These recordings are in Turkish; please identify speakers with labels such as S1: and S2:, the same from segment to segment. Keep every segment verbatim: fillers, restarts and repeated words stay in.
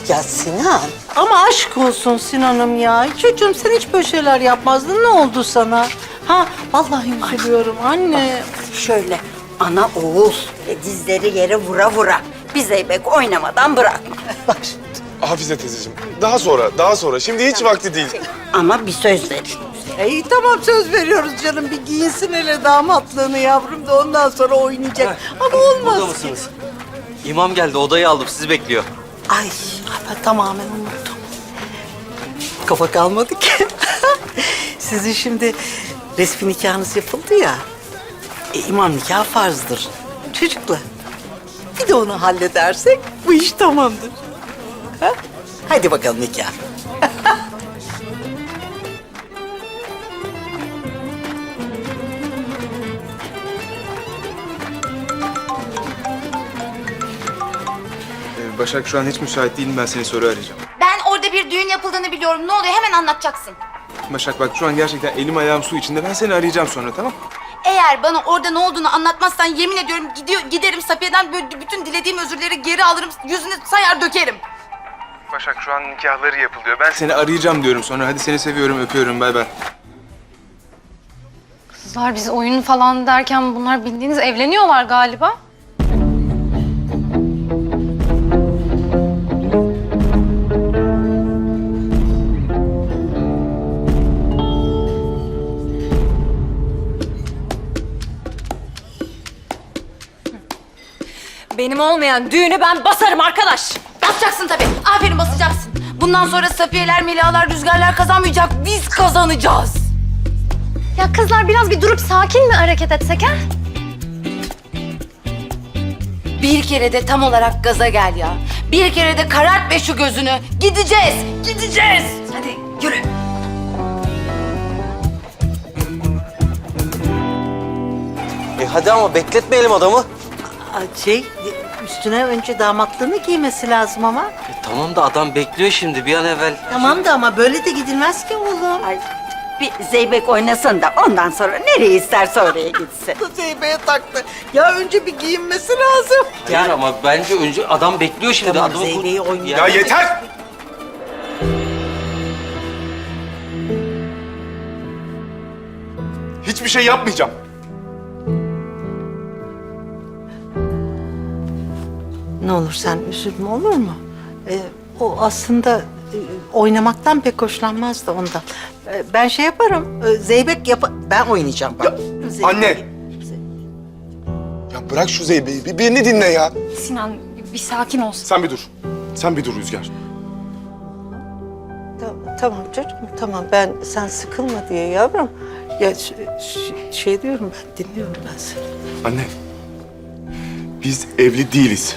S1: Ya Sinan.
S2: Ama aşk olsun Sinan'ım ya. Çocuğum sen hiç böyle şeyler yapmazdın. Ne oldu sana? Ha vallahi üzülüyorum anne.
S1: Şöyle ana oğul ve dizleri yere vura vura. Bir zeybek oynamadan bırakma. Bak şimdi.
S3: Hafize teyzeciğim, daha sonra, daha sonra. Şimdi hiç vakti değil.
S1: Ama bir söz verin.
S2: İyi tamam söz veriyoruz canım. Bir giyinsin hele damatlığını yavrum da ondan sonra oynayacak. Ama olmaz
S4: Burada
S2: ki.
S4: mısınız? İmam geldi, odayı aldım. Sizi bekliyor.
S2: Ay ben tamamen unuttum. Kafa kalmadı ki. Sizin şimdi resmi nikahınız yapıldı ya. E, imam nikahı farzdır. Çocuklar. Bir de onu halledersek bu iş tamamdır. Ha? Hadi bakalım nikah.
S3: Ee, Başak şu an hiç müsait değilim. Ben seni sonra arayacağım.
S5: Ben orada bir düğün yapıldığını biliyorum. Ne oluyor? Hemen anlatacaksın.
S3: Başak bak şu an gerçekten elim ayağım su içinde. Ben seni arayacağım sonra, tamam?
S5: Eğer bana orada ne olduğunu anlatmazsan yemin ediyorum gidiyor, giderim Safiye'den böyle bütün dilediğim özürleri geri alırım. Yüzüne sayar dökerim.
S3: Başak şu an nikahları yapılıyor. Ben seni arayacağım diyorum sonra. Hadi seni seviyorum, öpüyorum. Bay bay.
S6: Kızlar biz oyun falan derken bunlar bildiğiniz evleniyorlar galiba.
S7: Benim olmayan düğünü ben basarım arkadaş.
S5: Basacaksın tabii. Aferin basacaksın. Bundan sonra Safiye'ler, Melihalar, Rüzgarlar kazanmayacak. Biz kazanacağız.
S6: Ya kızlar biraz bir durup sakin mi hareket etsek ha?
S5: Bir kere de tam olarak gaza gel ya. Bir kere de karart be şu gözünü. Gideceğiz, gideceğiz. Hadi yürü.
S4: E hadi ama bekletmeyelim adamı.
S2: Aa, Şey üstüne önce damatlığını giymesi lazım ama.
S4: E tamam da adam bekliyor şimdi bir an evvel.
S2: Tamam da ama böyle de gidilmez ki oğlum.
S1: Ay bir zeybek oynasın da ondan sonra nereye isterse oraya gitsin.
S2: Zeybeye taktı. Ya önce bir giyinmesi lazım.
S4: Hayır ama bence önce adam bekliyor şimdi.
S2: Tamam,
S4: adamı
S2: Zeybe'yi oynayacak.
S3: Ya yeter! Hiçbir şey yapmayacağım.
S2: Ne olur sen üzülme olur mu? Ee, o aslında e, oynamaktan pek hoşlanmaz da ondan. Ee, ben şey yaparım. e, Zeybek yap... Ben oynayacağım bak.
S3: Ya,
S2: Zeybek-
S3: anne! Ya bırak şu Zeybe'yi, bir birini dinle ya.
S6: Sinan bir, bir sakin olsun.
S3: Sen bir dur. Sen bir dur Rüzgar.
S2: Tamam, tamam çocuğum tamam ben sen sıkılma diye yavrum. Ya ş- ş- şey diyorum ben dinliyorum ben seni.
S3: Anne, biz evli değiliz.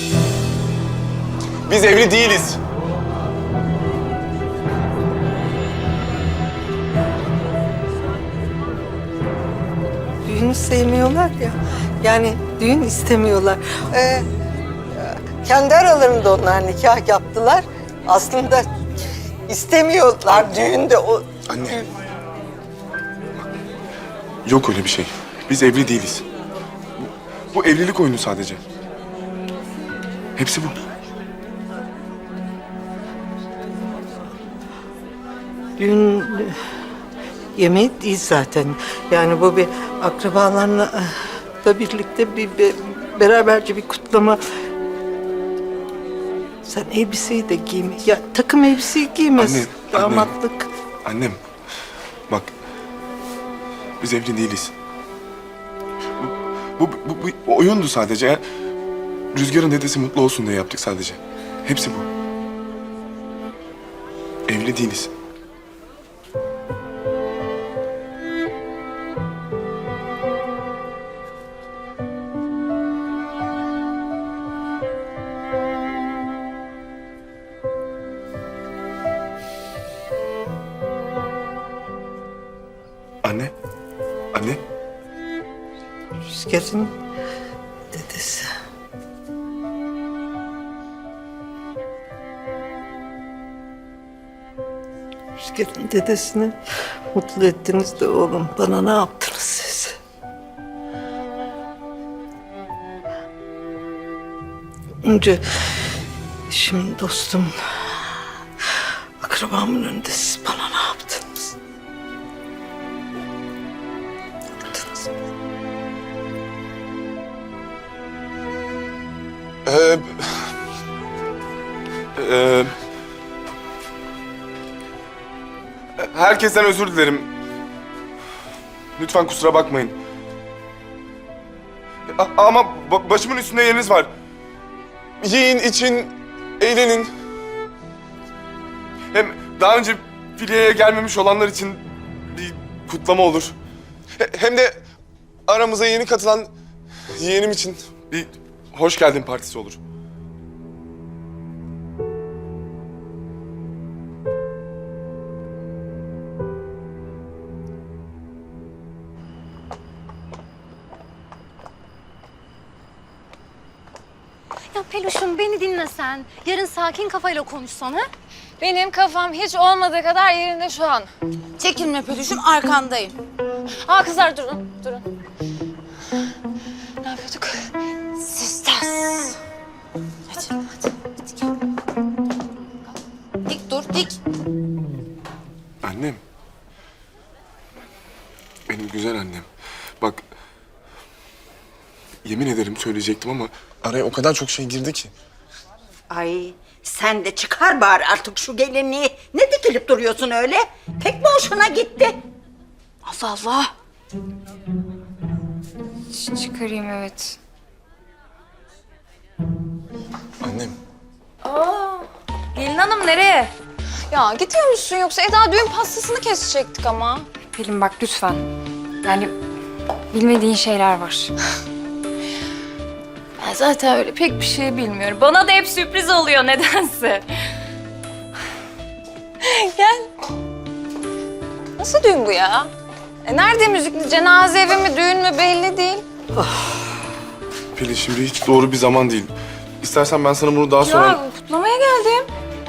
S3: Biz evli değiliz.
S2: Düğünü sevmiyorlar ya. Yani düğün istemiyorlar. Ee, kendi aralarında onlar nikah yaptılar. Aslında istemiyorlar düğünde o.
S3: Anne. Yok öyle bir şey. Biz evli değiliz. Bu, bu evlilik oyunu sadece. Hepsi bu.
S2: Düğün e, yemeği değil zaten. Yani bu bir akrabalarla e, da birlikte bir, bir beraberce bir kutlama. Sen elbiseyi de giyme. Ya takım elbiseyi giymez.
S3: Anne, anne.
S2: Damatlık.
S3: Annem, bak. Biz evli değiliz. Bu, bu, bu, bu oyundu sadece. Rüzgar'ın dedesi mutlu olsun diye yaptık sadece. Hepsi bu. Evli değiliz. Anne, anne.
S2: Rüzgar'ın dedesi. Rüzgar'ın dedesini mutlu ettiniz de oğlum. Bana ne yaptınız siz? Önce Kardeşimin, dostumun, akrabamın önünde siz bana ne yaptınız? Yaptınız.
S3: Ee, e, herkesten özür dilerim. Lütfen kusura bakmayın. A- ama ba- başımın üstünde yeriniz var. Yiyin, için, eğlenin. Hem daha önce filiyeye gelmemiş olanlar için bir kutlama olur. He- hem de aramıza yeni katılan yeğenim için bir hoş geldin partisi olur.
S6: Ya Peluş'um beni dinlesen. Yarın sakin kafayla konuşsan ha?
S5: Benim kafam hiç olmadığı kadar yerinde şu an.
S8: Çekinme Peluş'um, arkandayım.
S5: Aa kızlar durun, durun. Ne yapıyorduk?
S8: Sisters. Hadi, hadi, hadi gel. Dik dur, dik.
S3: Annem. Benim güzel annem. Bak, yemin ederim söyleyecektim ama araya o kadar çok şey girdi ki.
S1: Ay sen de çıkar bari artık şu gelinliği. Ne dikilip duruyorsun öyle? Pek mi hoşuna gitti?
S8: Allah Allah.
S6: Ç- çıkarayım evet.
S3: Annem.
S5: Gelin hanım nereye? Ya gidiyor musun yoksa Eda düğün pastasını kesecektik ama.
S6: Pelin bak lütfen. Yani bilmediğin şeyler var.
S5: Ben zaten öyle pek bir şey bilmiyorum. Bana da hep sürpriz oluyor nedense. Gel. Nasıl düğün bu ya? E nerede müzikli? Cenaze evi mi, düğün mü belli değil.
S3: Pelin şimdi hiç doğru bir zaman değil. İstersen ben sana bunu daha sonra...
S5: Ya kutlamaya geldim.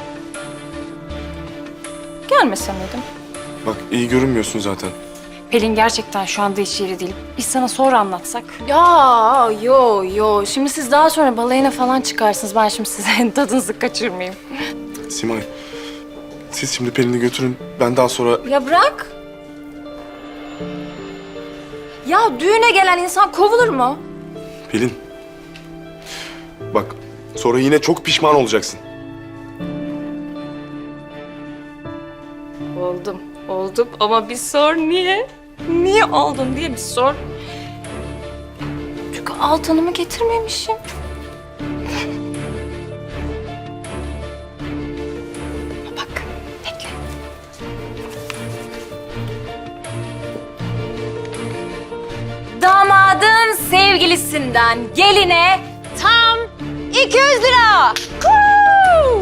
S5: Gelmesem miydim?
S3: Bak iyi görünmüyorsun zaten.
S6: Pelin gerçekten şu anda hiç yeri değil. Biz sana sonra anlatsak.
S5: Ya yo yo. Şimdi siz daha sonra balayına falan çıkarsınız. Ben şimdi size tadınızı kaçırmayayım.
S3: Simay, siz şimdi Pelin'i götürün. Ben daha sonra...
S5: Ya bırak. Ya düğüne gelen insan kovulur mu?
S3: Pelin. Bak, sonra yine çok pişman olacaksın.
S5: Oldum, oldum ama bir sor niye? Niye oldun diye bir sor. Çünkü altınımı getirmemişim. Bak, bekle. Damadın sevgilisinden geline tam iki yüz lira. Huu!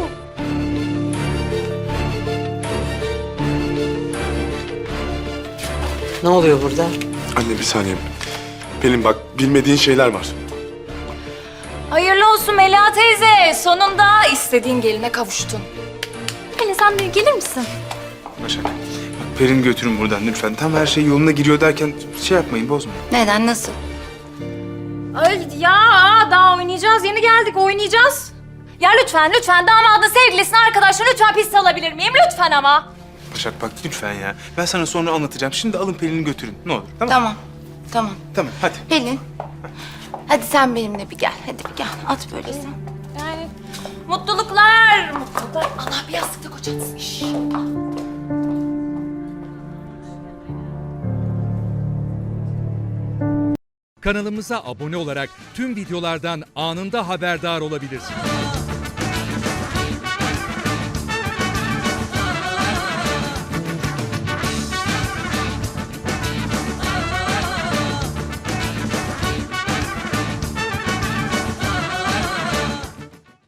S2: Ne oluyor burada?
S3: Anne bir saniye. Pelin bak, bilmediğin şeyler var.
S5: Hayırlı olsun Melia teyze. Sonunda istediğin geline kavuştun.
S6: Pelin sen bir gelir misin?
S9: Başak, bak Perin götürün buradan lütfen. Tam her şey yoluna giriyor derken şey yapmayın, bozmayın.
S8: Neden, nasıl?
S5: Ay ya daha oynayacağız. Yeni geldik oynayacağız. Ya lütfen lütfen damadın sevgilisini arkadaşlar lütfen piste alabilir miyim? Lütfen ama.
S9: Başak bak lütfen ya. Ben sana sonra anlatacağım. Şimdi alın Pelin'i götürün. Ne olur. Tamam.
S8: Tamam, tamam.
S9: Tamam hadi.
S8: Pelin, hadi sen benimle bir gel. Hadi bir gel, at böyle sen.
S5: Yani mutluluklar. Mutluluklar. Allah bir yastıkta kocatsın. Şş.
S10: Kanalımıza abone olarak tüm videolardan anında haberdar olabilirsiniz.